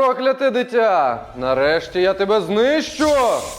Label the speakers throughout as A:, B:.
A: Прокляте дитя! Нарешті я тебе знищу!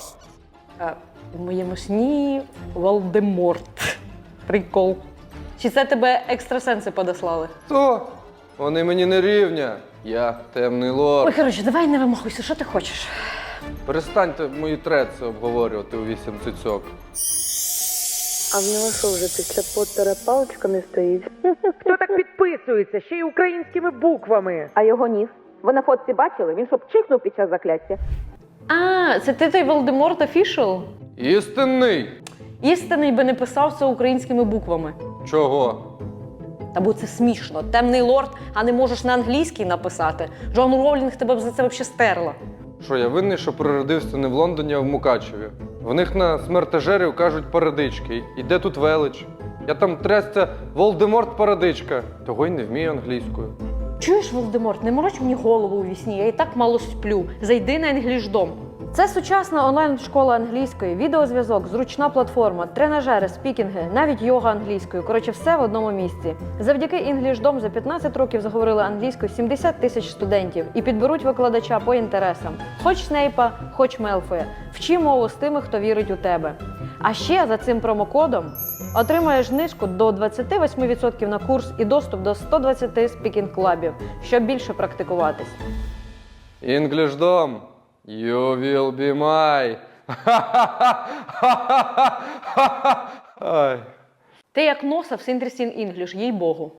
B: В моєму сні Волдеморт. Прикол. Чи це тебе екстрасенси подослали?
A: То, вони мені не рівня. Я темний лорд.
B: Ой, коротше, давай не вимахуйся, що ти хочеш?
A: Перестаньте мої треці обговорювати у 8 цицьок.
C: А в нього що вже після Поттера паличка не стоїть?
D: Хто так підписується? Ще й українськими буквами.
E: А його ніс? Ви на фотці бачили? Він щоб чихнув під час закляття.
B: А, це ти той Волдеморт офішал?
A: Істинний!
B: Істинний би не писав це українськими буквами.
A: Чого?
B: Та бо це смішно. Темний лорд, а не можеш на англійській написати. Джон Роулінг тебе б за це взагалі стерла.
A: Що, я винний, що природився не в Лондоні, а в Мукачеві? В них на смертежерів кажуть парадички. І де тут велич? Я там трясця Волдеморт парадичка. Того й не вмію англійською.
B: Чуєш, Волдеморт, не мороч мені голову у вісні, я і так мало сплю. Зайди на інглішдом. Це сучасна онлайн-школа англійської, відеозв'язок, зручна платформа, тренажери, спікінги, навіть йога англійською. Коротше, все в одному місці. Завдяки інглішдом за 15 років заговорили англійською 70 тисяч студентів і підберуть викладача по інтересам. Хоч Снейпа, хоч Мелфоя. Вчи мову з тими, хто вірить у тебе. А ще за цим промокодом отримаєш знижку до 28% на курс і доступ до 120 спікінг-клабів, щоб більше практикуватись.
A: Інглішдом! You will be my. Ай.
B: Ти як носа в Сінтерсін Інгліш, їй-богу.